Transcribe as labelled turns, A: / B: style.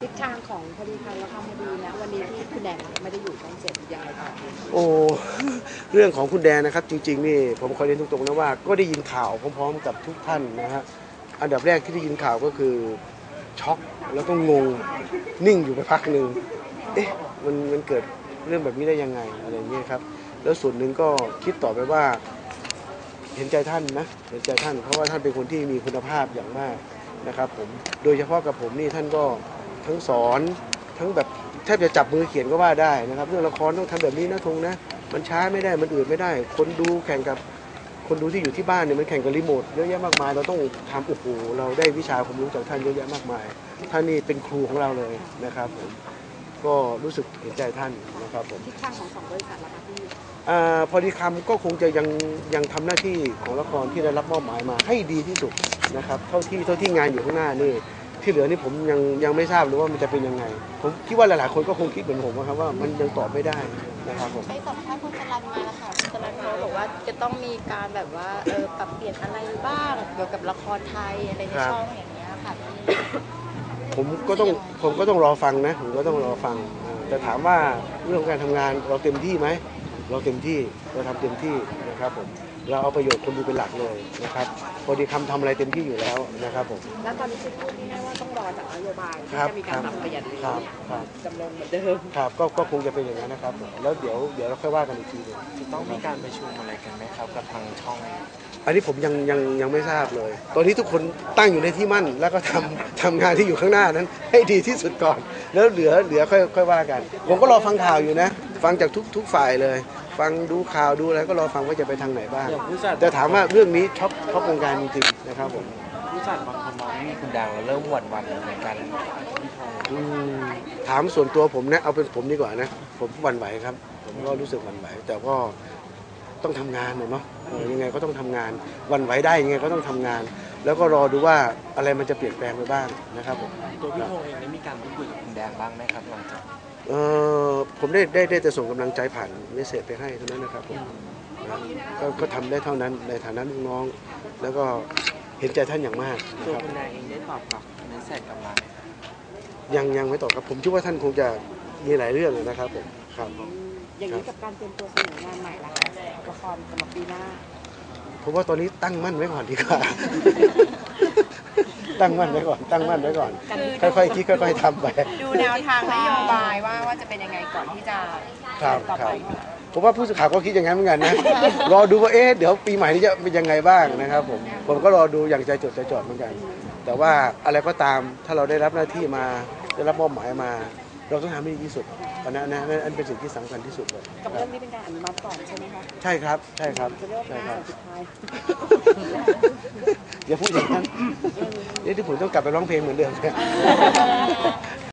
A: ทิศทางของคดีความและความคดีนะวันนี้ที่คุณแดงไม่ได้อยู่ช่องเจ็ดยังไงต่อ
B: โอ้เรื่องของคุณแดนนะครับจริงๆนี่ผมขอเรียนตรงๆนะว่าก็ได้ยินข่าวพร้อมๆกับทุกท่านนะฮะอันดับแรกที่ได้ยินข่าวก็คือช็อกแล้วก็งงนิ่งอยู่ไปพักหนึ่งเอ๊ะมันเกิดเรื่องแบบนี้ได้ยังไงอะไรเงี้ยครับแล้วส่วนหนึ่งก็คิดต่อไปว่าเห็นใจท่านนะเห็นใจท่านเพราะว่าท่านเป็นคนที่มีคุณภาพอย่างมากนะครับผมโดยเฉพาะกับผมนี่ท่านก็ทั้งสอนทั้งแบบแทบจะจับมือเขียนก็ว่าได้นะครับเรื่องละครต้องทำแบบนี้นะธงนะมันช้าไม่ได้มันอื่นไม่ได้คนดูแข่งกับคนดูที่อยู่ที่บ้านเนี่ยมันแข่งกับรีโมทเยอะแยะมากมายเราต้องทำโอ้โหเราได้วิชาความรู้จากท่านเยอะแยะมากมายท่านนี่เป็นครูของเราเลยนะครับผมก็รู้สึกเห็นใจท่านนะครับผม
A: ทิศทางของสองบริษัทละคะที่
B: พอดีคำก็คงจะยังทำหน้าที่ของละครที่ได้รับมอบหมายมาให้ดีที่สุดนะครับเท่าที่งานอยู่ข้างหน้านี่ที่เหลือนี่ผมยังไม่ทราบเลยว่ามันจะเป็นยังไงผมคิดว่าหลายๆคนก็คงคิดเหมือนผมนะครับว่ามันยังตอบไม่ได้นะครับผม
C: ไปสัมภาษณ์คุณสลันมาแล้วค่ะคุณสลันเขาบอกว่าจะต้องมีการแบบว่าปรับเปลี่ยนอะไรบ้างเกี่ยวกับละครไทยอะไรในช่องอย่างเงี้ยค่ะ
B: ผมก็ต้องรอฟังนะผมก็ต้องรอฟังแต่ถามว่าเรื่องการทำงานเราเต็มที่ไหมเราเต็มที่เราทำเต็มที่นะครับผมเราเอาประโยชน์คนดูเป็นหลักเลยนะครับพอดีคำทำอะไรเต็มที่อยู่แล้วนะครับผม
A: แล้วตอนนี้คือพูดง่ายๆว่าต้องรอจากนโยบายที่จะมีการปรับเปลี่ยนหรือจำลองเหมือนเดิม
B: ครับก็คงจะเป็นอย่างนั้นนะครับแล้วเดี๋ยวเราค่อยว่ากันอีกทีนึง
D: จะต้องมีการประชุมอะไรกันไหมครับกับทางช่อง
B: อันนี้ผมยังไม่ทราบเลยตอนนี้ทุกคนตั้งอยู่ในที่มั่นแล้วก็ทำงานที่อยู่ข้างหน้านั้นให้ดีที่สุดก่อนแล้วเหลือค่อยว่ากันผมก็รอฟังข่าวอยู่นะฟังจากทุกฝ่ายเลยฟังดูข่าวดูอะไรก็รอฟังว่าจะไปทางไหนบ้างแต่ถามว่าเรื่องนี้ช็อปวงการจริงๆนะครับผม
D: ผู้จัดบางคนมองว่าคุณดังแล้วเริ่มหวั่นในการ
B: ถามส่วนตัวผมนะเอาเป็นผมดีกว่านะผมหวั่นไหวครับผมก็รู้สึกหวั่นไหวแต่ก็ต้องทำงานเนาะยังไงก็ต้องทำงานหวั่นไหวได้ยังไงก็ต้องทำงานแล้วก็รอดูว่าอะไรมันจะเปลี่ยนแปลงไปบ้างนะครับผม
D: ตัวพี่พงษ์เองได้มีการพูดคุยกับคุณแดงบ้างไหมครับหลังจาก
B: ผมได้แต่ส่งกำลังใจผ่านเมสเสจไปให้เท่านั้นนะครับผมก็ทำได้เท่านั้นในฐานะลูกน้องแล้วก็เห็นใจท่านอย่างมาก
D: ตัวคุณแดงเองได้ตอบกลับเมสเสจกลับมาไหม
B: ยังไม่ตอบครับผมคิดว่าท่านคงจะมีหลายเรื่องนะครับผมครับ
A: อย่างนี้กับการเตรียมตัวเสนองานใหม่ละคะละครสำหรับปีหน้า
B: ผมว่าตอนนี้ตั้งมั่นไว้ก่อนดีกว่าตั้งมั่นไว้ก่อนค่อยๆคิดค่อยๆทำไป
C: ดูแนวทางนโยบายว่าจะเป็นยังไงก่อนที่จะต่อไป
B: ผมว่าผู้สื่อข่าวก็คิดอย่างนั้นเหมือนกันนะรอดูว่าเดี๋ยวปีใหม่นี้จะเป็นยังไงบ้างนะครับผมก็รอดูอย่างใจจดใจจ่อเหมือนกันแต่ว่าอะไรก็ตามถ้าเราได้รับหน้าที่มาได้รับมอบหมายมาเราต้องทำให้ดีที่สุดอันนั้นเป็นสิ่งที่สำคัญที่สุดเลย
A: กับเรื่องนี้เป็นการอนุมัติก่อนใช่ไหมคะ
B: ใช่ครับ
A: จะเรียกว่าการสุดท้าย
B: อย่าพูดอย่างนั้นนี่ที่ผมต้องกลับไปร้องเพลงเหมือนเดิม